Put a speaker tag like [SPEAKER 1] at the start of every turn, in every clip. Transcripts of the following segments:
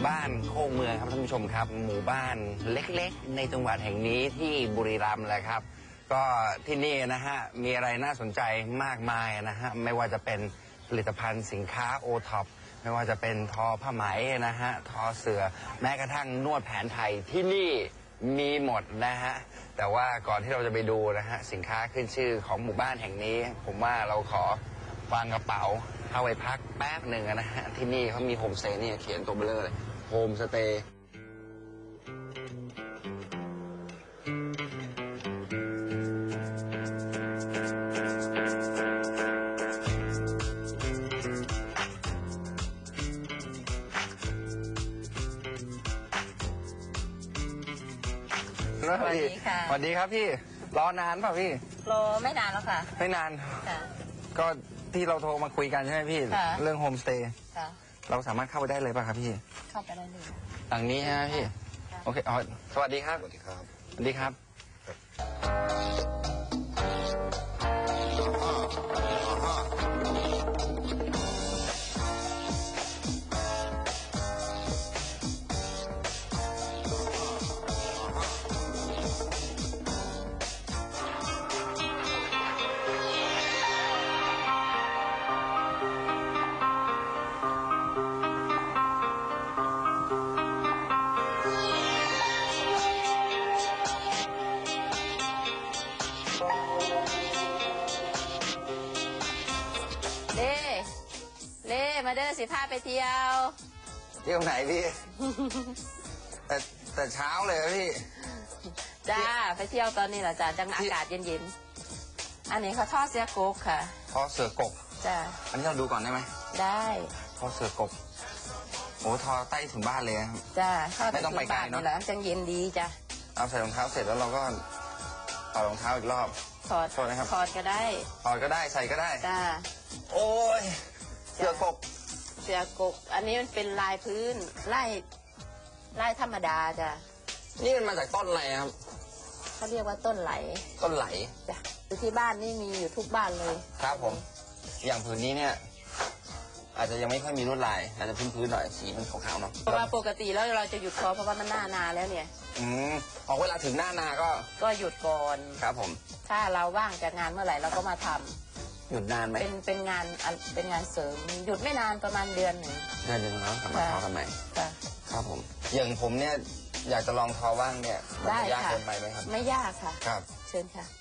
[SPEAKER 1] บ้านโคกเมืองครับท่านผู้ชมครับหมู่บ้านเล็กๆในจังหวัดแห่งนี้ที่บุรีรัมย์แหละครับก็ที่นี่นะฮะมีอะไรน่าสนใจมากมายนะฮะไม่ว่าจะเป็นผลิตภัณฑ์สินค้าโอท็อปไม่ว่าจะเป็นทอผ้าไหมนะฮะทอเสื่อแม้กระทั่งนวดแผนไทยที่นี่มีหมดนะฮะแต่ว่าก่อนที่เราจะไปดูนะฮะสินค้าขึ้นชื่อของหมู่บ้านแห่งนี้ผมว่าเราขอวางกระเป๋าเข้าไปพักแป๊บหนึ่งนะฮะที่นี่เขามีโฮมสเตย์นี่เขียนตัวเบลอเลยโฮมสเตย์สวัสดีค่ะสวัสดีครับพี่รอนานเปล่าพี่
[SPEAKER 2] รอไม่นานแล้วค่ะ
[SPEAKER 1] ไม่นานก็ที่เราโทรมาคุยกันใช่ไหมพี่เรื่องโฮมสเตย์เราสามารถเข้าไปได้เลยป่ะครับพี่
[SPEAKER 2] เข้าไปได้เลย
[SPEAKER 1] หลังนี้ใช่ไหมพี่โอเคอ๋อสวัสดีครับ
[SPEAKER 3] สวัสดีครับ
[SPEAKER 1] สวัสดีครับ
[SPEAKER 2] มาเด้อสิพาไปเที่ยว
[SPEAKER 1] ไหนพี่แต่เช้าเลยพี่
[SPEAKER 2] จ้าไปเที่ยวตอนนี้แหละจ้าจังอากาศเย็นๆอันนี้เขาทอดเสือกกค่ะ
[SPEAKER 1] ทอดเสือกก
[SPEAKER 2] จ้า
[SPEAKER 1] อันนี้เราดูก่อนได้ไหม
[SPEAKER 2] ได้
[SPEAKER 1] ทอดเสือกกโอ้ทอใต้ถึงบ้านเลย
[SPEAKER 2] จ้า
[SPEAKER 1] ไม่ต้องไปไกลเนาะ
[SPEAKER 2] จังเย็นดีจ้า
[SPEAKER 1] เอาใส่รองเท้าเสร็จแล้วเราก็ถอดรองเท้าอีกรอบ
[SPEAKER 2] ถอดนะครับถอดก็ได้
[SPEAKER 1] ถอดก็ได้ใส่ก็ได้
[SPEAKER 2] จ้า
[SPEAKER 1] โอ้ยเสือกก
[SPEAKER 2] อันนี้มันเป็นลายพื้นลายธรรมดาจ้ะ
[SPEAKER 1] นี่มันมาจากต้นอะไรครับ
[SPEAKER 2] เขาเรียกว่าต้นไหลจ้ะอยู่ที่บ้านนี่มีอยู่ทุกบ้านเลย
[SPEAKER 1] ครับผมอย่างผืนนี้เนี่ยอาจจะยังไม่ค่อยมีลวดลายอาจจะพื้นหน่อยสีมันขาวๆเนาะ
[SPEAKER 2] เพราะว่าปกติแล้วเราจะหยุดทอเพราะว่ามันหน้านาแล้วเนี่ย
[SPEAKER 1] พอเวลาถึงหน้านาก็
[SPEAKER 2] หยุดก่อน
[SPEAKER 1] ครับผม
[SPEAKER 2] ถ้าเราว่างจากงานเมื่อไหร่เราก็มาทำ
[SPEAKER 1] หยุดนานไหม
[SPEAKER 2] เป็นงานเสริมหยุดไม่นานประมาณเดือนหนึ่ง
[SPEAKER 1] แล้วกลับมาทอกันใหม่ครับผมอย่างผมเนี่ยอยากจะลองทอว่างเนี่ย
[SPEAKER 2] ได้ค่ะ
[SPEAKER 1] ยากเกินไปไหมครับ
[SPEAKER 2] ไม่ยากค่ะ
[SPEAKER 1] ครับ
[SPEAKER 2] เชิญค่ะ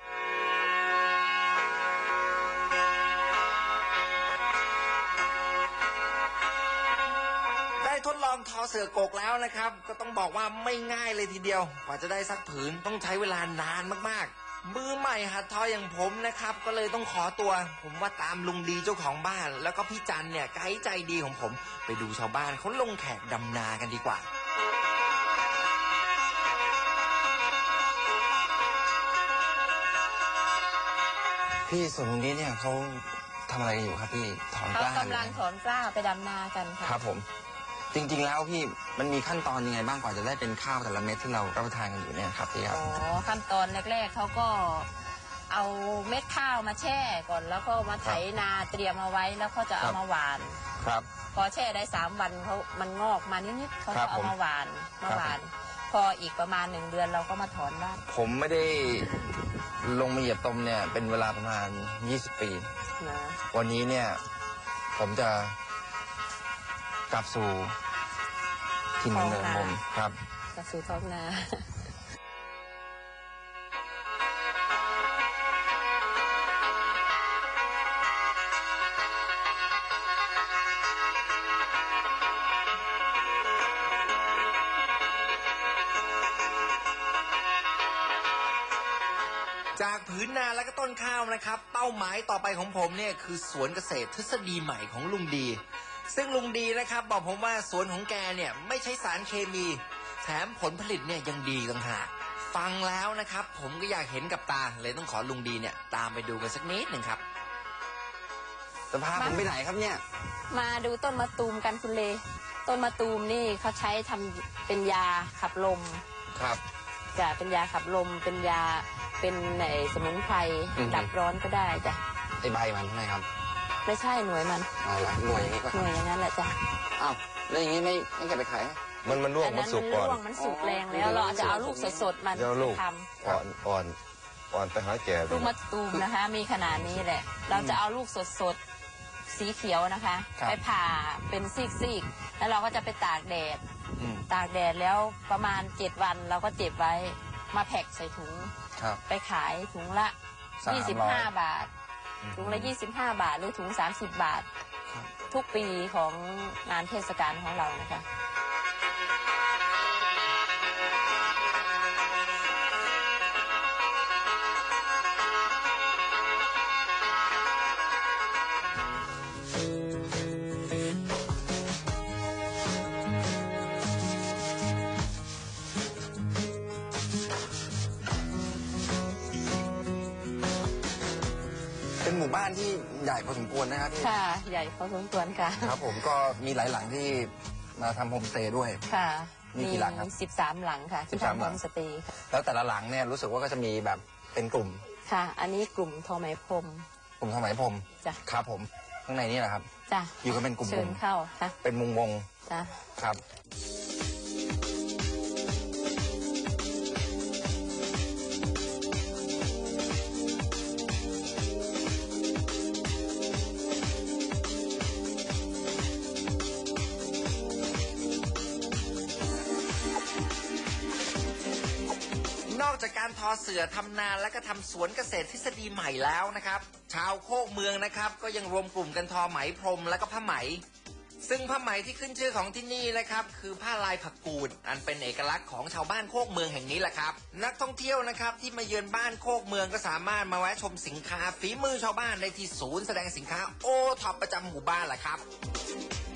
[SPEAKER 1] ได้ทดลองทอเสือกกแล้วนะครับก็ต้องบอกว่าไม่ง่ายเลยทีเดียวกว่าจะได้สักผืนต้องใช้เวลานานมากๆมือใหม่หัดทออย่างผมนะครับก็เลยต้องขอตัวผมว่าตามลุงดีเจ้าของบ้านแล้วก็พี่จันเนี่ยไกด์ใจดีของผมไปดูชาวบ้านเขาลงแขกดำนากันดีกว่าพี่ส่วนตรงนี้เนี่ยเขาทำอะไรอยู่ครับพี่ถอนกล้า
[SPEAKER 2] เขากำลังถอนกล้าไปดำนากันค่ะ
[SPEAKER 1] ครับผมจริงๆแล้วพี่มันมีขั้นตอนยังไงบ้างกว่าจะได้เป็นข้าวแต่ละเม็ดที่เรารับประทานกันอยู่เนี่ยครับพี่ครับ
[SPEAKER 2] ขั้นตอนแรกๆเขาก็เอาเม็ดข้าวมาแช่ก่อนแล้วก็มาไถนาเตรียมเอาไว้แล้วเขาจะเอามาหวาน
[SPEAKER 1] ครับ
[SPEAKER 2] พอแช่ได้3 วันมันงอกมานิดๆเขาก็เอามาหวานพออีกประมาณ1 เดือนเราก็มาถอนได้ผมไม่ได้
[SPEAKER 1] ลงมาเหยียบตมเนี่ยเป็นเวลาประมาณ20 ปีวันนี้เนี่ยผมจะกลับสู่ถิ่นกำเนิดผมครับ
[SPEAKER 2] กลับสู่ท้องนา
[SPEAKER 1] จากผืนนาและก็ต้นข้าวนะครับเป้าหมายต่อไปของผมเนี่ยคือสวนเกษตรทฤษฎีใหม่ของลุงดีซึ่งลุงดีนะครับบอกผมว่าสวนของแกเนี่ยไม่ใช้สารเคมีแถมผลผลิตเนี่ยยังดีต่างหากฟังแล้วนะครับผมก็อยากเห็นกับตาเลยต้องขอลุงดีเนี่ยตามไปดูกันสักนิดหนึ่งครับจะพาผมไปไหนครับเนี่ย
[SPEAKER 2] มาดูต้นมะตูมกันคุณเลต้นมะตูมนี่เขาใช้ทำเป็นยาขับลม
[SPEAKER 1] ครับ
[SPEAKER 2] จะเป็นยาขับลมเป็นยาเป็นสมุนไพรดับร้อนก็ได้จ้ะ
[SPEAKER 1] ไอใบมันใช่ไหมครับ
[SPEAKER 2] ไม่ใช่หน่วยมัน
[SPEAKER 1] อ๋อเหรอหน่วยอย่างนี้ก็
[SPEAKER 2] หน่วยอย่างนั้นแหละจ้ะ
[SPEAKER 1] อ้าวแล้วอย่างนี้ไม่เก็บไปขาย
[SPEAKER 3] มันร่วง
[SPEAKER 2] อัน
[SPEAKER 3] มั
[SPEAKER 2] นั้น น
[SPEAKER 3] สุก
[SPEAKER 2] มัน
[SPEAKER 3] ก่อน
[SPEAKER 2] ร่วงมันสุกแรงแล้วเราจะเอาลูกสดๆมัน
[SPEAKER 3] เดี๋ยวลูก
[SPEAKER 2] ท
[SPEAKER 3] อ่อนไปหาแก่
[SPEAKER 2] ำลูกมะตูมนะคะ มีขนาดนี้แหละ เราจะเอาลูกสดๆสีเขียวนะคะ ไปผ่าเป็นซีกๆแล้วเราก็จะไปตากแดด ตากแดดแล้วประมาณ7 วันเราก็เก็บไว้มาแพ็คใส่ถุง
[SPEAKER 1] ครับ
[SPEAKER 2] ไปขายถุงละ 25 บาท ถุงละ 25 บาท หรือถุง 30 บาท ทุกปีของงานเทศกาลของเรานะคะ
[SPEAKER 1] เป็นหมู่บ้านที่ใหญ่พอสมควรนะครับพี่
[SPEAKER 2] ค่ะ ใหญ่พอสมควรค่ะ
[SPEAKER 1] ครับผมก็มีหลายหลังที่มาทำโฮมสเตย์ด้วย
[SPEAKER 2] ค่ะ
[SPEAKER 1] มีกี่หลังครับ
[SPEAKER 2] 13 หลังค่ะที่
[SPEAKER 1] 13
[SPEAKER 2] ทำ
[SPEAKER 1] ห
[SPEAKER 2] โฮ
[SPEAKER 1] ลัง
[SPEAKER 2] มสเตย์ค่ะ
[SPEAKER 1] แล้วแต่ละหลังเนี่ยรู้สึกว่าก็จะมีแบบเป็นกลุ่ม
[SPEAKER 2] ค่ะ อันนี้กลุ่มทอไหมพรม
[SPEAKER 1] กลุ่มสมัยพรม
[SPEAKER 2] จ้ะ
[SPEAKER 1] ครับผมข้างในนี่แหละครับ
[SPEAKER 2] จ้ะ
[SPEAKER 1] อยู่กันเป็นกลุ่
[SPEAKER 2] เชิญ
[SPEAKER 1] ม
[SPEAKER 2] เข้าค่ะ
[SPEAKER 1] ๆเป็นมุงวง
[SPEAKER 2] จ้ะ
[SPEAKER 1] ครับ
[SPEAKER 4] นอกจากการทอเสื่อทำนาและก็ทำสวนเกษตรทฤษฎีใหม่แล้วนะครับ ชาวโคกเมืองนะครับก็ยังรวมกลุ่มกันทอไหมพรมและก็ผ้าไหม ซึ่งผ้าไหมที่ขึ้นชื่อของที่นี่นะครับคือผ้าลายผักกูดอันเป็นเอกลักษณ์ของชาวบ้านโคกเมืองแห่งนี้แหละครับนักท่องเที่ยวนะครับที่มาเยือนบ้านโคกเมืองก็สามารถมาแวะชมสินค้าฝีมือชาวบ้านได้ที่ศูนย์แสดงสินค้าโอท็อปประจำหมู่บ้านแหละครับ